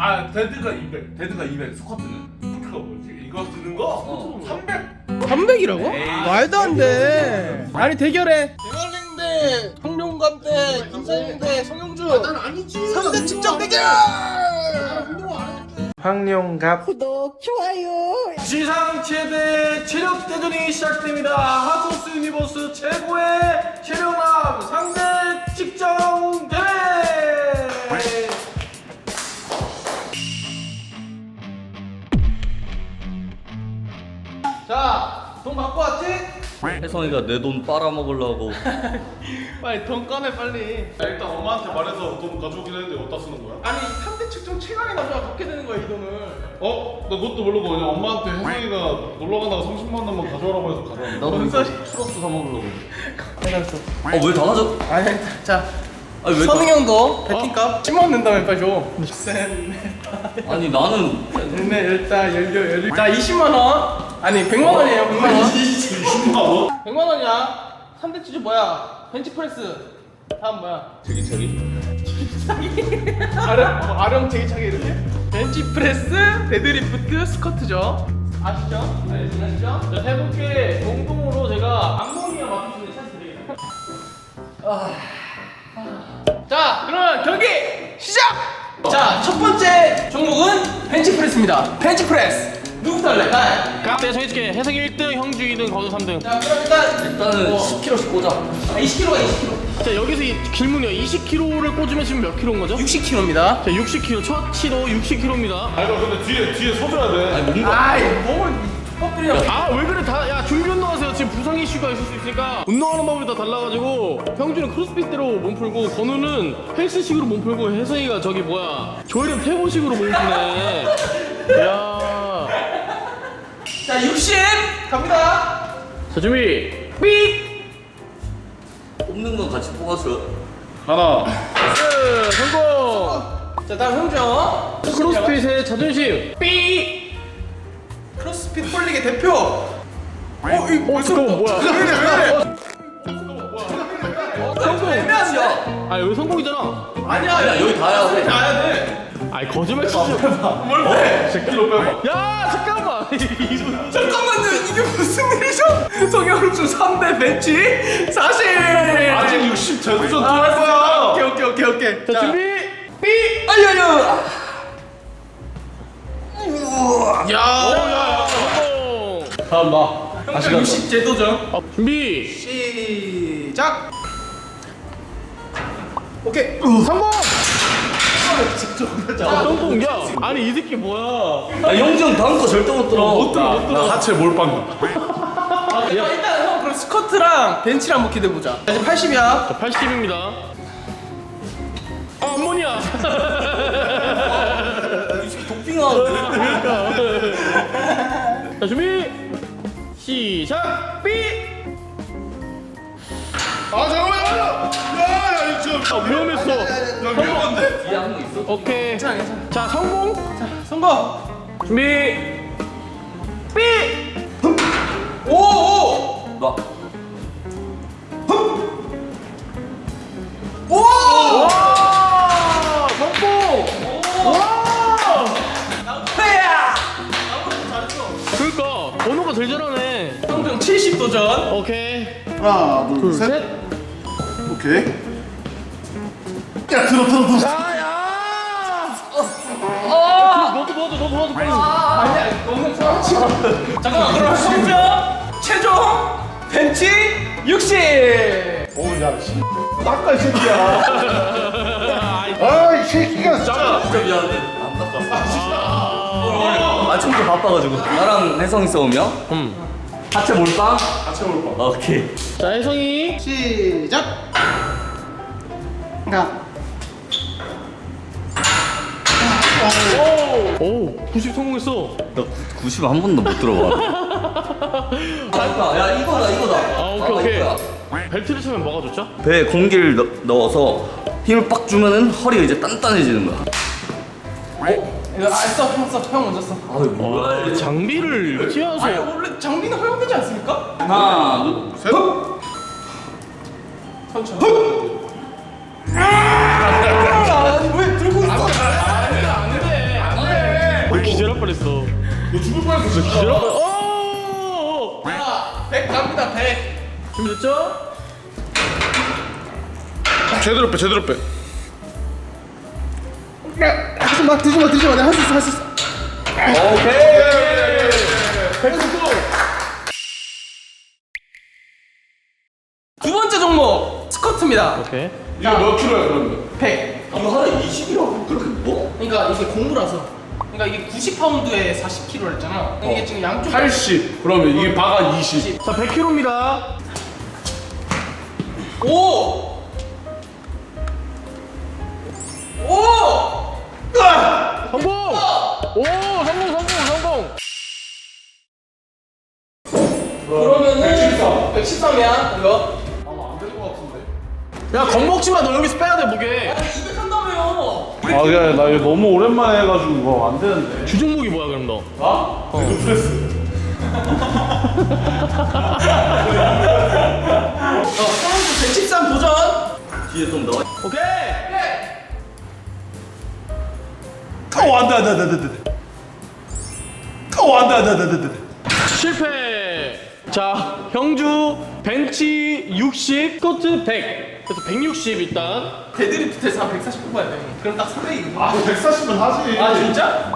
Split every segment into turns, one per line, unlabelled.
아 데드가 200, 데드가 200. 스쿼트는 스쿼트가 뭐지? 이거 드는 거 300.
300이라고? 말도 안 돼. 아니 대결해. 대걸링 대 성룡감 대 김상윤 대 성영주. 난 아니지. 3대 직접 대결. 황룡갑 구독 좋아요. 지상 최대 체력 대전이 시작됩니다. 하토스 유니버스 최고의 체력남 상대 직전 대회. 자, 돈 갖고 왔지?
혜성이가 내 돈 빨아먹으려고.
빨리 돈 꺼내 빨리.
일단 엄마한테 말해서 돈 가져오긴 했는데 어디다 쓰는 거야?
아니 3대 측정 최강의 남자가 갖게 되는 거야 이 돈을.
어? 나 그것도 모르고 그냥 엄마한테 혜성이가 놀러 가다가 30만 원만 가져오라고 해서 가져왔는데.
나도
뭔
이거
소리?
추러스 사 먹으려고.
해놨어.
왜 다 가져?
아니 자
아니 왜?
선웅 형도 배팅값 10만 원 낸다면 빨리 줘. 셋넷
아니 나는
열네 열다 열여 자 20만 원. 아니 100만 원이에요 100만 원.
20만 원?
100만 원이야. 3대 치즈 뭐야? 벤치프레스. 다음 뭐야?
제기차기.
아령 제기차기 이렇게? 벤치프레스, 데드리프트, 스쿼트죠. 아시죠? 네, 아시죠? 자, 세 분께 공동으로 제가 암모니아 맡을 수 있는 찬스 드리겠습니다. 자, 그러면 경기 시작! 자, 첫 번째 종목은 벤치프레스입니다. 벤치프레스. 누구부터 할래? 나. 내가 정해줄게. 혜성이 1등, 형주 2등, 건우 3등. 자, 그럼
일단은 10kg씩 꽂아.
20kg가 20kg. 자, 여기서 이 질문이요. 20kg를 꽂으면 지금 몇 킬로인 거죠? 60kg입니다. 자, 60kg. 첫 치도 60kg입니다.
아 이거 근데 뒤에 서줘야 돼.
아니 뭔가.
아이, 몸을 족밥들이야.
아,
왜 그래? 야, 준비 운동하세요. 지금 부상 이슈가 있을 수 있으니까 운동하는 방법이 다 달라가지고 형주는 크로스핏대로 몸 풀고 건우는 헬스식으로 몸 풀고 혜성이가 저기 뭐야 조혜련 태보식으로 몸 푸네. 야. 자, 60 갑니다. 자, 준비. 삑.
뽑는 건 같이 뽑았어.
하나.
성공. 자, 다음 형주. 크로스핏의 자존심. 삑. 크로스핏 폴릭의 대표.
잠깐만 뭐야?
성공.
애매하지야.
아, 여기 성공이잖아.
아니야 여기 다야.
가야 돼. 아니 거짓말 치지 마. 뭘 빼? 10kg 빼봐. 야 잠깐만. 잠깐만요. 이게 무슨 일이죠? 성형수 3대 벤치 40.
아직 60 제도전 할
알았어.
거야.
오케이. 자 준비. 삐. 아야야. 야. 성공.
다음 나.
다시 60 제도전. 준비. 시작. 오케이. 성공. 성공. 야 아니 이 새끼 뭐야?
아 형주 형 다음 거 절대 못 들어.
나 하체 몰빵.
일단 형 그럼 스쿼트랑 벤치를 한번 기대해보자. 자, 지금 80이야. 자, 80입니다. 아, 암모니아.
독빙하는데.
자, 준비. 시작. 삐.
아 잠깐만. 야 이거
위험했어.
위험한데?
뒤에 한 명 있어?
오케이. 괜찮아. 자, 성공. 자, 성공. 준비. 삐. 오.
나.
오. 와. 성공. 와. 나야. 그러니까 번호가 제일 잘하네. 형정 70도전. 오케이.
하나 둘 셋. 오케이. 야 들어.
야야. 너도 도와줘 빨리. 아니야 너무 좋아하지. 잠깐만 그럼 성적 최종 벤치 60.
오야 씨. 닦아 이 새끼야. 아이 새끼가 진짜.
진짜 미안한데 안 닦았어. 아침부터 바빠가지고. 나랑 혜성이 싸우면? 하체 몰빵?
하체 몰빵.
오케이.
자 혜성이
시작. 가.
오 90 성공했어.
나 90 한 번도 못 들어봐. 그러니까 야 이거다.
아 오케이.
이거야.
벨트를 차면 뭐가 좋죠?
배에 공기를 넣어서 힘을 빡 주면은 허리가 이제 단단해지는 거야.
이거 형 먼저 써.
아유 뭐야.
장비를 지어서. 아니 원래 장비는 허용되지 않습니까?
하나 둘
셋.
천천히. 왜 들고 있어? 안 돼. 기절할 뻔했어.
너 죽을 뻔했어 진짜.
기절할 뻔. 오!
자, 100 갑니다. 100.
준비됐죠?
제대로 빼 제대로 빼.
하지 마, 드지 마. 내가 할 수 있어.
오케이.
100고.
두 번째 종목 스쿼트입니다.
오케이.
이거 몇 킬로야 그러면?
100.
이거 하나 20이라고? 그렇게 뭐?
그러니까 이게 공부라서. 그러니까 이게 90파운드에 40kg 했잖아. 이게 지금 양쪽
80. 그러면 이게 바가 20.
자, 100kg입니다.
오! 오!
성공! 오, 성공!
그러면은 113이야 이거.
아마 안 될 것 같은데.
야, 겁먹지 마. 너 여기서 빼야 돼, 무게.
200 한다며요.
아 그냥 나 이거 너무 오랜만에 해가지고 이거 안 되는데.
주종목이 뭐야, 그럼 너?
나? 루프레스.
선수 113 도전.
뒤에 좀 넣어.
오케이!
안돼.
실패! 자, 형주 벤치 60, 스쿼트 100. 그래서 160 일단.
데드리프트에서 한 140 뽑아야 돼. 그럼 딱 300이거든.
아 140은 하지.
아 진짜?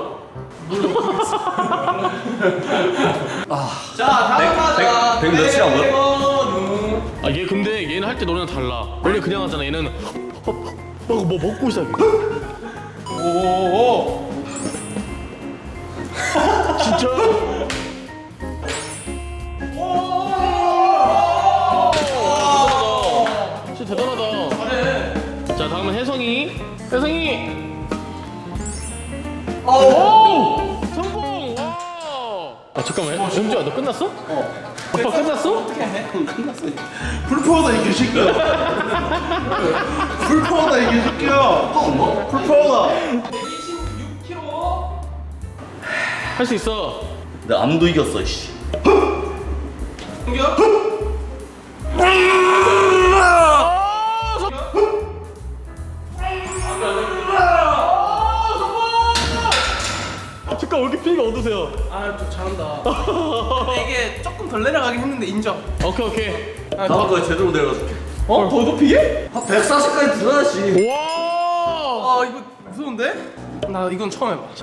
자 다음 하자.
100 몇이라고요?
백원우.
아, 얘 근데 얘는 할 때 너네랑 달라. 원래 그냥 하잖아. 얘는 뭐 먹고 시작해.
오오오.
진짜? 진짜 대단하다.
잘해.
자, 다음은 혜성이. 오! 성공! 와! 아, 잠깐만. 영주야, 너 끝났어? 아빠 끝났어?
어떻게 해?
풀파워다 이 개새끼야. 풀파워다 이 개새끼야. 풀파워다.
126kg.
할 수 있어.
내 암도 이겼어, 씨.
공격.
잠깐, 왜 이렇게 피가 어두세요?
아좀 잘한다. 근데 이게 조금 덜 내려가긴 했는데 인정.
오케이.
다음 거에 제대로 내려줄게.
어? 더 높이게?
한 140까지 들어야지.
와!
아 이거 무서운데? 나 이건 처음 해봐.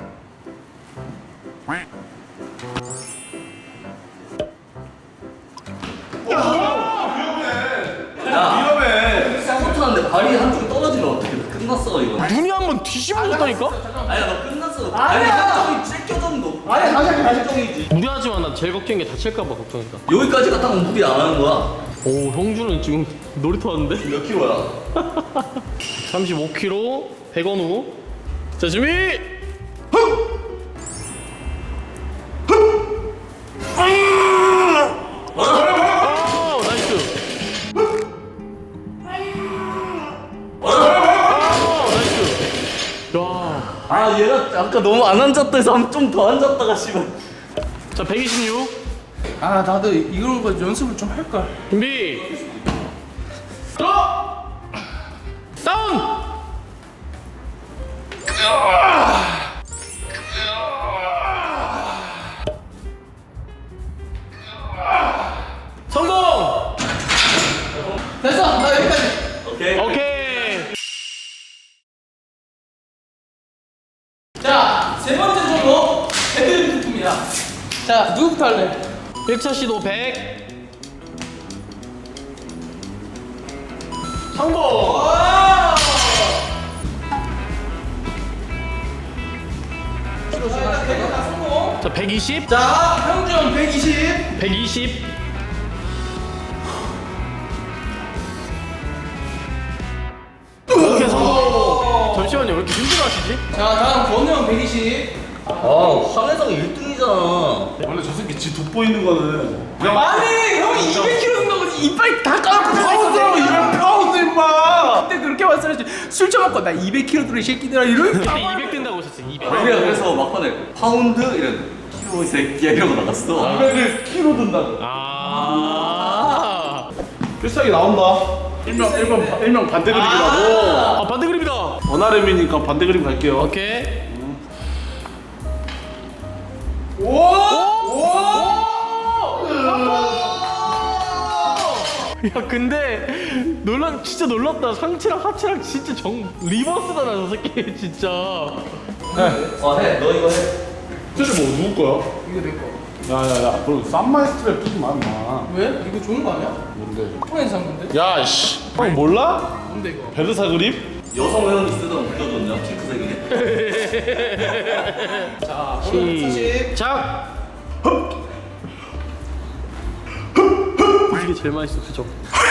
위험해. 스쿼트하는데 발이 한쪽 떨어지면 어떻게 돼? 끝났어, 이거.
눈이 한번 뒤집어졌다니까?
아니야, 너 끝났어. 발이 한쪽이 찢겨졌는 거. 아니, 다시 정이지.
무리하지만 난 제일 걱정인 게 다칠까봐 걱정이다.
여기까지 갔다가 무리 안 하는 거야.
오, 형주는 지금 놀이터 왔는데?
몇 킬로야?
35kg, 100원 후. 자, 준비! 나이스. 나이스. 야.
아, 얘가 아까 너무 안 앉았다 해서 좀 더 앉았다가 씨발.
자, 126.
아 나도 이런 거 연습을 좀 할걸.
준비. 들어! 다운! 성공!
됐어 나 여기까지.
오케이.
오케이.
자, 세 번째 종목 데드리프트입니다. 자, 누구부터 할래?
1차 시도 100. 성공!
와!
자, 120.
자, 형준 120.
120. 오케이, 성공. 잠시만요, 왜 이렇게 힘들어하시지?
자, 다음 권우 형 120.
아, 한혜성 1등이잖아.
원래 저 새끼 지 돋보이는 거는 그냥
아니, 형이 200kg 된다고 이빨 다 까놓고
파운드 200파운드 임마.
그때 그렇게 말씀하지. 술 처먹고 나 200kg 들이 새끼들아 이런.
그때 200 된다고 하셨어요, 200.
우리가 그래서 막판에 파운드 이런 키로 이 새끼야 이러고 나갔어.
200을 키로 든다고.
아.
필살기 나온다. 일명 반대 그림이라고.
아, 반대 그림이다.
원RM이니까 반대 그림 갈게요.
오케이. 야 근데 진짜 놀랐다. 상체랑 하체랑 진짜 리버스다 나 저 새끼 진짜.
해. 너 이거 해.
사실 뭐 누구 거야?
이거 내 거.
야야야, 그럼 쌈마이 스트랩 끼지 마 임마.
왜? 이거 좋은 거 아니야?
뭔데?
통에서 산 건데?
야 씨, 형 몰라?
뭔데 이거?
베르사 그립?
여성 회원이 쓰던 물려줬냐? 핑크색이네.
자, 오늘 사실
시작. 이게 제일 맛있어, 그죠?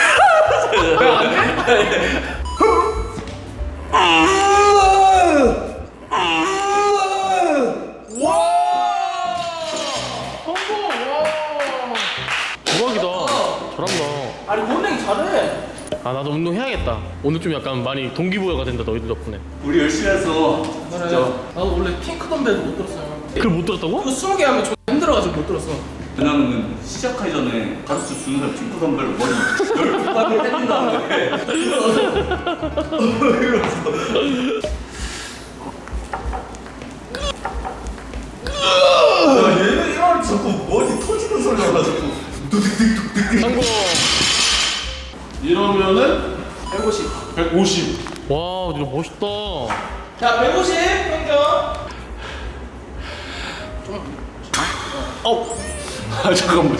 대박이다. 잘한다.
아니 권행이 잘해.
아 나도 운동 해야겠다. 오늘 좀 약간 많이 동기부여가 된다 너희들 덕분에.
우리 열심히 했어.
그래.
진짜.
나도 원래 핑크 덤벨도 못 들었어요.
그걸 못 들었다고?
그거 20개 하면 좀 힘들어가지고 못 들었어.
왜냐면은 시작하기 전에 가르쳐 주는 사람 핑크 덤벨로 머리 12방울 해준 다음에 야 얘는 이런 자꾸 머리 터지는 소리가 나 자꾸
성공.
이러면은
150.
150.
와 진짜 멋있다.
자, 150 평균.
아 잠깐만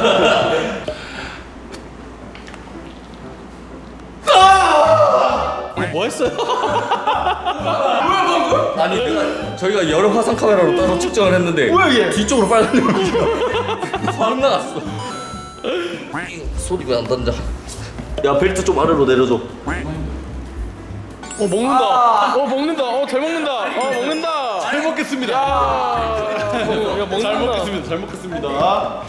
뭐 했어요?
아니 내가 저희가 여러 화상 카메라로 따로 측정을 했는데 뒤쪽으로 빨간 데가 바로 나갔어. 소리 왜 안 던져? 야 벨트 좀 아래로 내려줘.
먹는다. 먹는다. 잘 먹는다. 먹는다.
잘 먹겠습니다.
야 먹는다.
잘 먹겠습니다. 잘 먹겠습니다.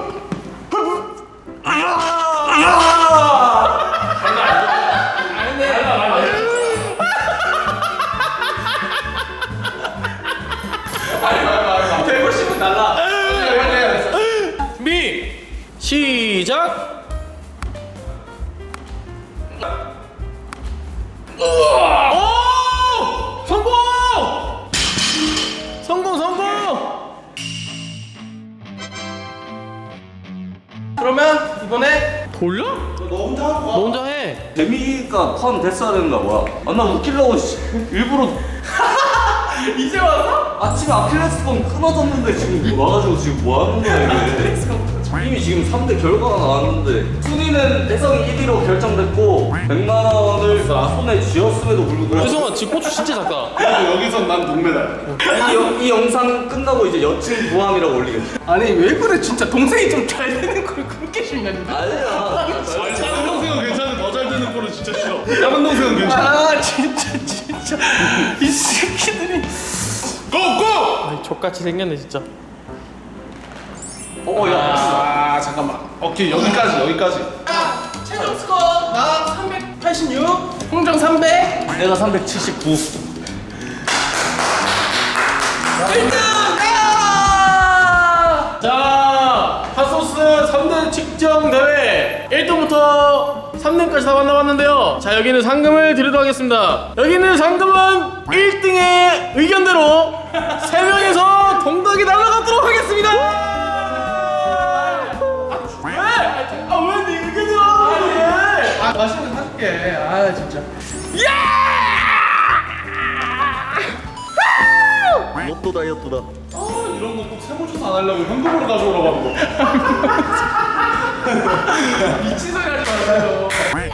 준비 시작. 오! 성공! 성공!
그러면 이번에
돌려?
너 혼자 하고 와.
너 혼자 해.
재미가 포함됐어야 되는 거야 뭐야? 아나 웃기려고 일부러
이제 와서?
아침에 아킬레스건 끊어졌는데 지금 와가지고 지금 뭐 하는 거야 이게? 이미 지금 3대 결과가 나왔는데 순위는 혜성이 1위로 결정됐고 100만 원을 손에 쥐었음에도 불구하고
혜성아 지 고추 진짜 작다.
그리고 여기선 난 동메달.
이 영상 끝나고 이제 여친 부함이라고 올리겠지.
아니 왜 그래 진짜 동생이 좀 잘 되는 걸 그렇게 싫냐니.
아니야.
다른 동생은 괜찮은데 더 잘 되는 거는 진짜 싫어. 다른 동생은 괜찮아.
아 진짜 이 새끼들이.
고고!
아이 족같이 생겼네 진짜.
야.
아 잠깐만. 오케이 여기까지.
최종 스코어 나 386, 홍정 300.
내가 379.
1등!
자, 핫소스 3등 측정 대회 1등부터 3등까지 다 만나봤는데요. 자, 여기는 상금을 드리도록 하겠습니다. 여기는 상금은 1등의 의견대로 3명에서 동덕이 날아가도록 하겠습니다. 왜? 왜 네 의견대로 하는 거야?
아 맛있는 거 사줄게. 아 진짜.
로또 다이어트다.
이런 거 꼭 세무조사 안 하려고 현금으로 가져오라고 하는 거.
미친 소리 하지 마세요.